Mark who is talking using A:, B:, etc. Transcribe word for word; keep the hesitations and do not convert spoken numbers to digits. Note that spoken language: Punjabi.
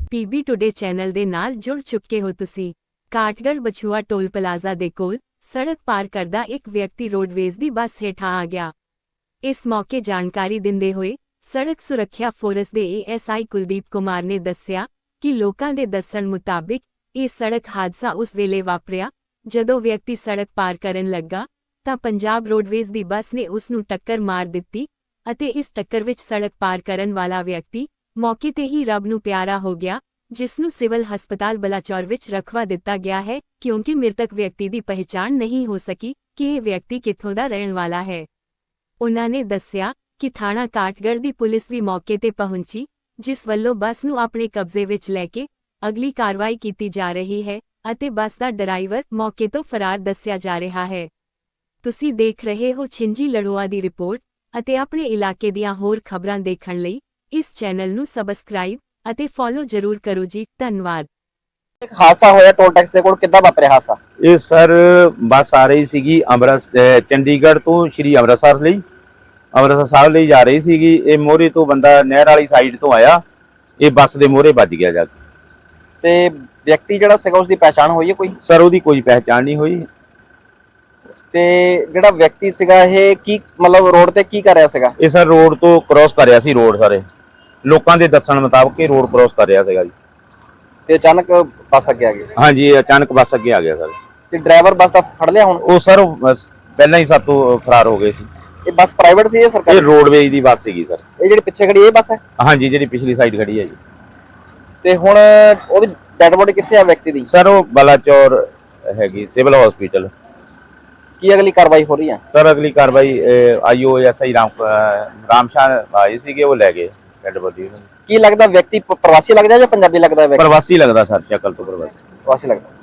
A: ਪੀਬੀ ਟੁਡੇ ਚੈਨਲ ਦੇ ਨਾਲ ਜੁੜ ਚੁੱਕੇ ਹੋ ਤੁਸੀਂ। ਕਾਠਗੜ੍ਹ ਬਛੂਆ ਟੋਲ ਪਲਾਜ਼ਾ ਦੇ ਕੋਲ ਸੜਕ ਪਾਰ ਕਰਦਾ ਇੱਕ ਵਿਅਕਤੀ ਰੋਡਵੇਜ਼ ਦੀ ਬੱਸ ਹੇਠਾਂ ਆ ਗਿਆ। ਇਸ ਮੌਕੇ ਜਾਣਕਾਰੀ ਦਿੰਦੇ ਹੋਏ ਸੜਕ ਸੁਰੱਖਿਆ ਫੋਰਸ ਦੇ A S I Kuldeep Kumar ਨੇ ਦੱਸਿਆ ਕਿ ਲੋਕਾਂ ਦੇ ਦੱਸਣ ਮੁਤਾਬਿਕ ਇਹ ਸੜਕ ਹਾਦਸਾ ਉਸ ਵੇਲੇ ਵਾਪਰਿਆ ਜਦੋਂ ਵਿਅਕਤੀ ਸੜਕ ਪਾਰ ਕਰਨ ਲੱਗਾ ਤਾਂ ਪੰਜਾਬ ਰੋਡਵੇਜ਼ ਦੀ ਬੱਸ ਨੇ ਉਸ ਨੂੰ ਟੱਕਰ ਮਾਰ ਦਿੱਤੀ ਅਤੇ ਇਸ ਟੱਕਰ ਵਿੱਚ ਸੜਕ ਪਾਰ ਕਰਨ ਵਾਲਾ ਵਿਅਕਤੀ ਮੌਕੇ ਤੇ ਹੀ ਰੱਬ ਨੂੰ ਪਿਆਰਾ ਹੋ ਗਿਆ, ਜਿਸ ਨੂੰ ਸਿਵਲ ਹਸਪਤਾਲ ਬਲਾਚੌਰ ਵਿੱਚ ਰਖਵਾ ਦਿੱਤਾ ਗਿਆ ਹੈ ਕਿਉਂਕਿ ਮ੍ਰਿਤਕ ਵਿਅਕਤੀ ਦੀ ਪਹਿਚਾਣ ਨਹੀਂ ਹੋ ਸਕੀ ਕਿ ਇਹ ਵਿਅਕਤੀ ਕਿੱਥੋਂ ਦਾ ਰਹਿਣ ਵਾਲਾ ਹੈ। ਉਨ੍ਹਾਂ ਨੇ ਦੱਸਿਆ ਕਿ ਥਾਣਾ ਕਾਠਗੜ੍ਹ ਦੀ ਪੁਲਿਸ ਵੀ ਮੌਕੇ ਤੇ ਪਹੁੰਚੀ, ਜਿਸ ਵੱਲੋਂ ਬੱਸ ਨੂੰ ਆਪਣੇ ਕਬਜ਼ੇ ਵਿੱਚ ਲੈ ਕੇ ਅਗਲੀ ਕਾਰਵਾਈ ਕੀਤੀ ਜਾ ਰਹੀ ਹੈ ਅਤੇ ਬੱਸ ਦਾ ਡਰਾਈਵਰ ਮੌਕੇ ਤੋਂ ਫਰਾਰ ਦੱਸਿਆ ਜਾ ਰਿਹਾ ਹੈ। ਤੁਸੀਂ ਦੇਖ ਰਹੇ ਹੋ ਛਿੰਜੀ ਲੜੋਆ ਦੀ ਰਿਪੋਰਟ ਅਤੇ ਆਪਣੇ ਇਲਾਕੇ ਦੀਆਂ ਹੋਰ ਖਬਰਾਂ ਦੇਖਣ ਲਈ ਇਸ ਚੈਨਲ ਨੂੰ ਸਬਸਕ੍ਰਾਈਬ ਅਤੇ ਫੋਲੋ ਜ਼ਰੂਰ ਕਰੋ ਜੀ। ਧੰਨਵਾਦ।
B: ਇੱਕ ਹਾਦਸਾ ਹੋਇਆ ਟੋਲ ਟੈਕਸ ਦੇ ਕੋਲ, ਕਿੱਦਾਂ ਵਾਪਰਿਆ ਹਾਦਸਾ?
C: ਇਹ ਸਰ ਬੱਸ ਆ ਰਹੀ ਸੀਗੀ ਅੰਮ੍ਰਿਤਸਰ ਚੰਡੀਗੜ੍ਹ ਤੋਂ ਸ਼੍ਰੀ ਅੰਮ੍ਰਿਤਸਰ ਲਈ ਅੰਮ੍ਰਿਤਸਰ ਸਾਹਿਬ ਲਈ ਜਾ ਰਹੀ ਸੀਗੀ। ਇਹ ਮੋਹਰੇ ਤੋਂ ਬੰਦਾ ਨਹਿਰ ਵਾਲੀ ਸਾਈਡ ਤੋਂ ਆਇਆ, ਇਹ ਬੱਸ ਦੇ ਮੋਹਰੇ ਵੱਜ ਗਿਆ ਜਾ ਕੇ।
B: ਤੇ ਵਿਅਕਤੀ ਜਿਹੜਾ ਸੀਗਾ ਉਸ ਦੀ ਪਹਿਚਾਣ ਹੋਈ ਹੈ ਕੋਈ?
C: ਸਰ ਉਹਦੀ ਕੋਈ ਪਹਿਚਾਣ ਨਹੀਂ ਹੋਈ।
B: ਤੇ ਜਿਹੜਾ ਵਿਅਕਤੀ ਸੀਗਾ ਇਹ ਕੀ ਮਤਲਬ ਰੋਡ ਤੇ ਕੀ ਕਰ ਰਿਹਾ ਸੀਗਾ?
C: ਇਹ ਸਰ ਰੋਡ ਤੋਂ ਕ੍ਰੋਸ ਕਰ ਰਿਹਾ ਸੀ, ਰੋਡ ਸਾਰੇ ਲੋਕਾਂ ਦੇ ਦੱਸਣ ਮੁਤਾਬਕ ਇਹ ਰੋਡ ਕ੍ਰੋਸ ਕਰ ਰਿਹਾ ਸੀਗਾ ਜੀ।
B: ਤੇ ਅਚਾਨਕ ਬੱਸ ਅੱਗੇ ਆ ਗਈ?
C: ਹਾਂਜੀ, ਇਹ ਅਚਾਨਕ ਬੱਸ ਅੱਗੇ ਆ ਗਿਆ ਸਰ।
B: ਤੇ ਡਰਾਈਵਰ ਬੱਸ ਦਾ ਫੜ ਲਿਆ ਹੁਣ?
C: ਉਹ ਸਰ ਬਸ ਪਹਿਲਾਂ ਹੀ ਸਾਤੋਂ ਫਰਾਰ ਹੋ ਗਏ ਸੀ।
B: ਇਹ ਬੱਸ ਪ੍ਰਾਈਵੇਟ ਸੀ ਜਾਂ ਸਰਕਾਰੀ?
C: ਇਹ ਰੋਡਵੇਜ਼ ਦੀ ਬੱਸ ਸੀਗੀ ਸਰ।
B: ਇਹ ਜਿਹੜੀ ਪਿੱਛੇ ਖੜੀ ਇਹ ਬੱਸ ਹੈ?
C: ਹਾਂਜੀ, ਜਿਹੜੀ ਪਿਛਲੀ ਸਾਈਡ ਖੜੀ ਹੈ ਜੀ।
B: ਤੇ ਹੁਣ ਉਹਦੀ ਡੈਡ ਬੋਡੀ ਕਿੱਥੇ ਆ ਵਿਅਕਤੀ ਦੀ?
C: ਸਰ ਉਹ ਬਲਾਚੌਰ ਹੈਗੀ ਸਿਵਲ ਹਸਪੀਟਲ।
B: ਕੀ ਅਗਲੀ ਕਾਰਵਾਈ ਹੋ ਰਹੀ ਹੈ?
C: ਸਰ ਅਗਲੀ ਕਾਰਵਾਈ ਆਈਓ ਐਸ ਆਈ ਰਾਮ ਰਾਮਸ਼ਾਹ ਆਏ ਸੀਗੇ, ਉਹ ਲੈ ਗਏ ਡੈਡ ਬੋਡੀ।
B: ਕੀ ਲੱਗਦਾ ਵਿਅਕਤੀ ਪ੍ਰਵਾਸੀ ਲੱਗਦਾ ਜਾਂ ਪੰਜਾਬੀ ਲੱਗਦਾ?
C: ਪ੍ਰਵਾਸੀ ਲੱਗਦਾ ਸਰ, ਸ਼ਕਲ ਤੋਂ ਪ੍ਰਵਾਸੀ
B: ਪ੍ਰਵਾਸੀ ਲੱਗਦਾ।